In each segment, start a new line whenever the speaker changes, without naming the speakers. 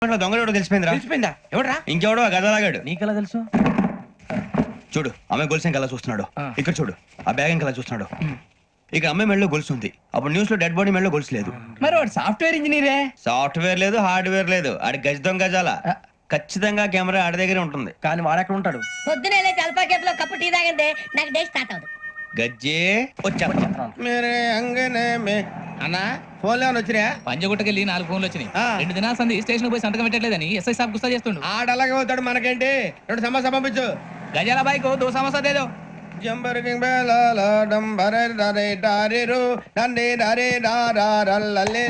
దొంగడు తెలిసిపోయిందిరా.
తెలిసిపోయిందా? ఎవడరా?
ఇంకెవడో గదలాగాడు.
నీకెలా తెలుసు?
చూడు ఆమె గొలుసు ఇంకలా చూస్తున్నాడు. ఇక్కడ చూడు ఆ బ్యాగ్ ఇంకలా చూస్తున్నాడు. ఇక అమ్మాయి మెడలో గొలుసు ఉంది. అప్పుడు న్యూస్ లో డెడ్ బాడీ మెడలో గొలుసు లేదు.
మరి వాడు సాఫ్ట్వేర్ ఇంజనీరే.
సాఫ్ట్వేర్ లేదు, హార్డ్వేర్ లేదు. ఆడి గజ దొంగ గజాల. ఖచ్చితంగా కెమెరా ఆడి దగ్గరే ఉంటుంది.
కానీ వాడెక్కడ ఉంటాడు?
పొద్దునే లేచి అల్ఫా కేఫ్ లో కప్పు టీ తాగిందే నాకు డే స్టార్ట్ అవుతుంది.
గజ్జే వచ్చా.
మేరే అంగనే మే అన్నా ఫోన్లో వచ్చినా
పంజగుట్టకెళ్ళి 4 ఫోన్లు వచ్చినాయి. 2 దినాల సంది స్టేషన్ పోయి సంతకం పెట్టలేదని ఎస్ఐ సాబ్ గుస్తా చేస్తుండు.
ఆడలాగే పోతాడు. మనకేంటి 2 సమస్య పంపించు.
గజాల బైక్ 2 సమస్య దేదో.
జంబరకింగ్ బేలాల డంబరే డరే డారిరు డండే డరే డారల్లలే.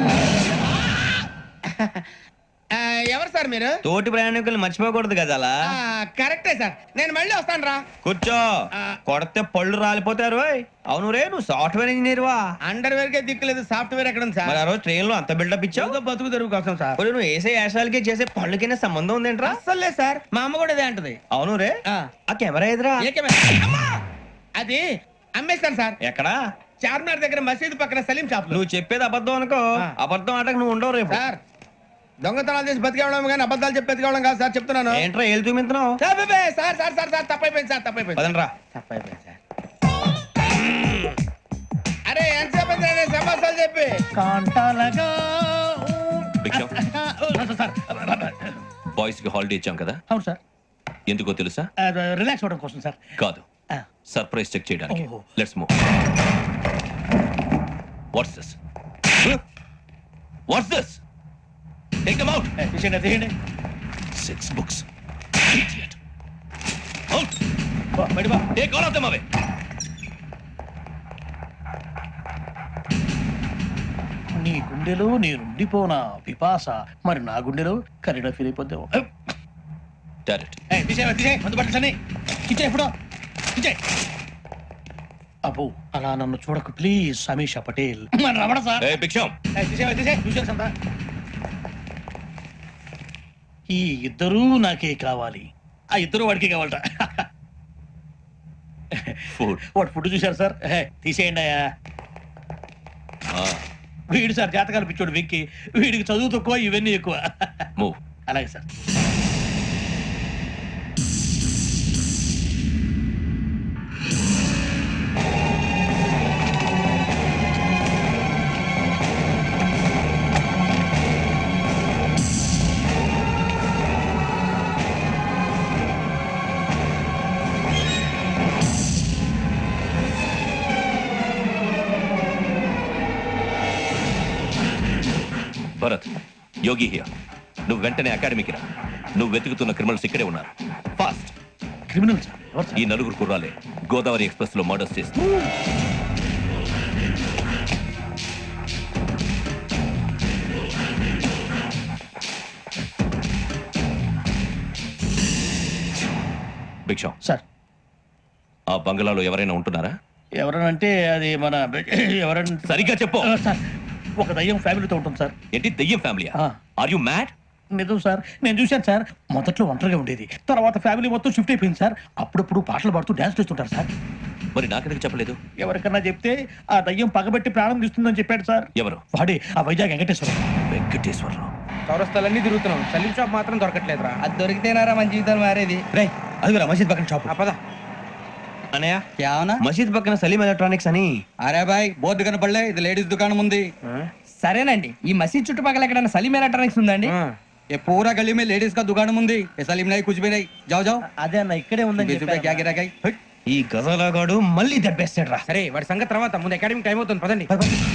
ఎవరు సార్ మీరు?
తోటి ప్రయాణికులు మర్చిపోకూడదు గజాల.
కరెక్టే సార్, నేను మళ్ళీ వస్తాను రా.
కూర్చో. కొడితే పళ్ళు రాలిపోతారు. అవును రే, నువ్వు సాఫ్ట్వేర్ ఇంజనీర్ వా?
అండర్వేర్ కే దిక్కులేదు, సాఫ్ట్వేర్ ఎక్కడ ఉంది సార్?
మరి ఆ రోజు ట్రైన్ లో అంత బిల్డప్ ఇచ్చావు.
బతుకు తెరువు కోసం సార్.
ఇప్పుడు నువ్వు వేసే యాశాలకి చేసే పళ్ళకైనా సంబంధం ఉందేంట్రా?
అస్సలు లేదు సార్, మా అమ్మ కూడా అదే అంటది.
అవును రే, ఆ కెమెరా ఎదురా
అది అమ్మేస్తాను సార్.
ఎక్కడా?
చార్మినార్ దగ్గర మసీదు పక్కన సలీం షాప్ లో.
నువ్వు చెప్పేది అబద్ధం అనుకో. అబద్ధం ఆటకు నువ్వు ఉండవు రేపు.
సార్ దొంగతనాలు చేసి బతికేవడం కానీ అబద్ధాలు చెప్పి బతికేవడం కాదు సార్, చెప్తున్నాను.
ఏంట్రా ఏళ్ళు చూపించినావు?
Sir sir sir sir sir తప్పైపోయింది సార్, తప్పైపోయింది.
పదండ్రా.
తప్పైపోయింది సార్. అరే ఎంతసేపు సమాసాలు చెప్పి
కాంటాలగా
బాయ్స్ కి హాలిడే ఇచ్చాం కదా?
అవును సార్.
ఎందుకో తెలుసా?
రిలాక్స్ అవ్వడం కోసం సార్.
కాదు, సర్ప్రైజ్ చెక్ చేయడానికి. Let's move. What's this? What's this? Take them out.
తీయండి.
6 books. Idiot. Out. Take all of them away.
నీ గుండెలో నేనుండిపోనా పిపాస, మరి నా గుండెలో కరీడా ఫీల్ అయిపోద్దాం.
Direct.
అబ్బో అలా నన్ను చూడకు please. Sameesha Patel Ramana sir.
Hey, Big Sham.
ఈ ఇద్దరూ నాకే కావాలి. ఆ ఇద్దరు వాడికి కావాలట.
Food.
వాడు ఫుడ్ చూశారు సార్. తీసేయండి అయ్యా. వీడు సార్ జాతకాలు పిచ్చోడు వెక్కి. వీడికి చదువు తక్కువ, ఇవన్నీ ఎక్కువ.
Move.
అలాగే సార్.
Bharat, Yogi here. నువ్వు వెంటనే అకాడమీకి రా. నువ్వు వెతుకుతున్న క్రిమినల్స్ ఇక్కడే ఉన్నారు. ఫాస్ట్.
Criminal sir? ఎవరు సార్?
ఈ 4 కుర్రాలే గోదావరి ఎక్స్ప్రెస్ లో మర్డర్స్ చేస్తారు. భిక్షం
సార్
ఆ బంగ్లాలో ఎవరైనా ఉంటున్నారా?
ఎవరనంటే అది మన ఎవరంటే
సరిగ్గా చెప్పు.
సార్ ఒక దయ్యం ఫ్యామిలీతో ఉంటుంది సార్.
ఏంటి దెయ్యం ఫ్యామిలీ? Are you mad?
నిజం సార్, నేను చూశాను సార్. మొదట్లో ఒంటరిగా ఉండేది, తర్వాత ఫ్యామిలీ మొత్తం షిఫ్ట్ అయిపోయింది సార్. అప్పుడప్పుడు పాటలు పాడుతూ డాన్స్ చేస్తుంటారు సార్.
మరి నాకెందుకు చెప్పలేదు?
ఎవరికన్నా చెప్తే ఆ దయ్యం పగబెట్టి ప్రాణం తీస్తుందని చెప్పాడు సార్.
ఎవరు?
వాడే ఆ వైజాగ్ వెంకటేశ్వరం.
వెంకటేశ్వరరావు.
చౌరస్తాలన్నీ తిరుగుతున్నాం, సలీం షాప్ మాత్రం దొరకట్లేదురా.
అది దొరికితేనారా మన జీవితాలు మారేది.
రే అదిగురా మసీద్ పక్కన షాప్.
పద.
అనయ్య,
क्या होना?
మసీద్ పక్కన సలీం ఎలక్ట్రానిక్స్ అని.
అరే బాయ్ బోర్డు కనపడలే, ఇది లేడీస్ దుకాణం ఉంది. సరేనండి, ఈ మసీద్ చుట్టుపక్కల ఎక్కడైనా సలీం ఎలక్ట్రానిక్స్ ఉందండి? ये पूरा गली में लेडीज का दुकान मुंदी, ये सलीम नहीं कुछ भी नहीं. जाओ जाओ.
అదే అన్న ఇక్కడే ఉందని
20 रुपए क्या गिरा गई.
ఈ గజాలగాడు మళ్ళీ దెబ్బేస్తాడు రా.
సరే వాడి సంగతి తర్వాత, ముందు అకాడమిక్ టైం అవుతుంది, పదండి.